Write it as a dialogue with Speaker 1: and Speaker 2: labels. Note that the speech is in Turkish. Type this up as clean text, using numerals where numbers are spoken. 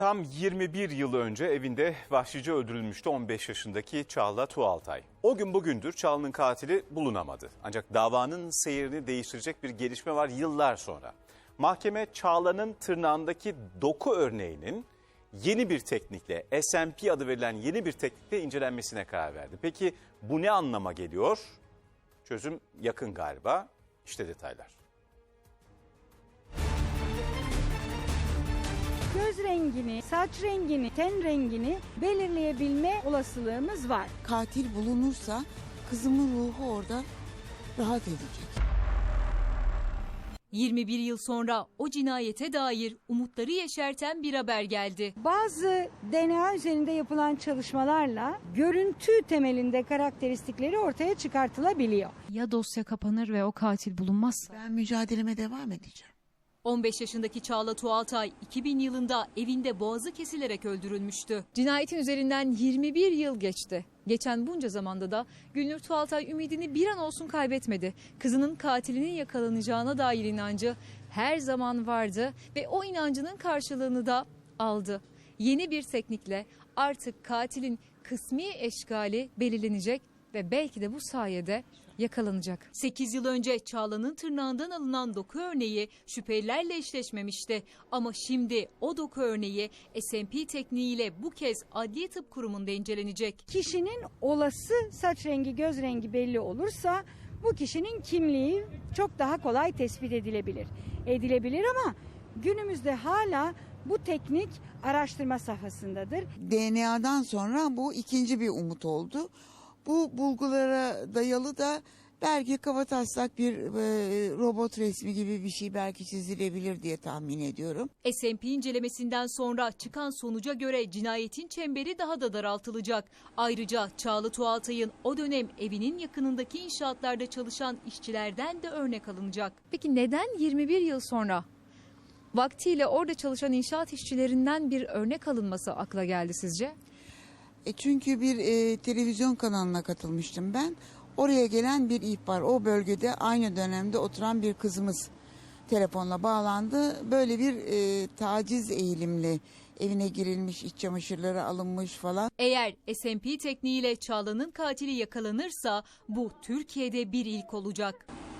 Speaker 1: Tam 21 yıl önce evinde vahşice öldürülmüştü 15 yaşındaki Çağla Tuğaltay. O gün bugündür Çağla'nın katili bulunamadı. Ancak davanın seyrini değiştirecek bir gelişme var yıllar sonra. Mahkeme Çağla'nın tırnağındaki doku örneğinin yeni bir teknikle, SMP adı verilen yeni bir teknikle incelenmesine karar verdi. Peki bu ne anlama geliyor? Çözüm yakın galiba. İşte detaylar.
Speaker 2: Göz rengini, saç rengini, ten rengini belirleyebilme olasılığımız var.
Speaker 3: Katil bulunursa kızımın ruhu orada rahat edecek.
Speaker 4: 21 yıl sonra o cinayete dair umutları yeşerten bir haber geldi.
Speaker 2: Bazı DNA üzerinde yapılan çalışmalarla görüntü temelinde karakteristikleri ortaya çıkartılabiliyor.
Speaker 5: Ya dosya kapanır ve o katil bulunmazsa?
Speaker 3: Ben mücadeleme devam edeceğim.
Speaker 4: 15 yaşındaki Çağla Tuğaltay 2000 yılında evinde boğazı kesilerek öldürülmüştü.
Speaker 5: Cinayetin üzerinden 21 yıl geçti. Geçen bunca zamanda da Gülnur Tuğaltay ümidini bir an olsun kaybetmedi. Kızının katilinin yakalanacağına dair inancı her zaman vardı ve o inancının karşılığını da aldı. Yeni bir teknikle artık katilin kısmi eşkali belirlenecek ve belki de bu sayede yakalanacak.
Speaker 4: 8 yıl önce Çağla'nın tırnağından alınan doku örneği şüphelilerle eşleşmemişti. Ama şimdi o doku örneği SMP tekniğiyle bu kez Adliye Tıp Kurumu'nda incelenecek.
Speaker 2: Kişinin olası saç rengi, göz rengi belli olursa bu kişinin kimliği çok daha kolay tespit edilebilir ama günümüzde hala bu teknik araştırma safhasındadır.
Speaker 3: DNA'dan sonra bu ikinci bir umut oldu. Bu bulgulara dayalı da belki kabataslak bir robot resmi gibi bir şey belki çizilebilir diye tahmin ediyorum.
Speaker 4: SMP incelemesinden sonra çıkan sonuca göre cinayetin çemberi daha da daraltılacak. Ayrıca Çağla Tuğaltay'ın o dönem evinin yakınındaki inşaatlarda çalışan işçilerden de örnek alınacak.
Speaker 5: Peki neden 21 yıl sonra vaktiyle orada çalışan inşaat işçilerinden bir örnek alınması akla geldi sizce?
Speaker 3: Çünkü bir televizyon kanalına katılmıştım ben. Oraya gelen bir ihbar, o bölgede aynı dönemde oturan bir kızımız telefonla bağlandı. Böyle bir taciz eğilimli evine girilmiş, iç çamaşırları alınmış falan.
Speaker 4: Eğer SMP tekniğiyle Çağla'nın katili yakalanırsa bu Türkiye'de bir ilk olacak.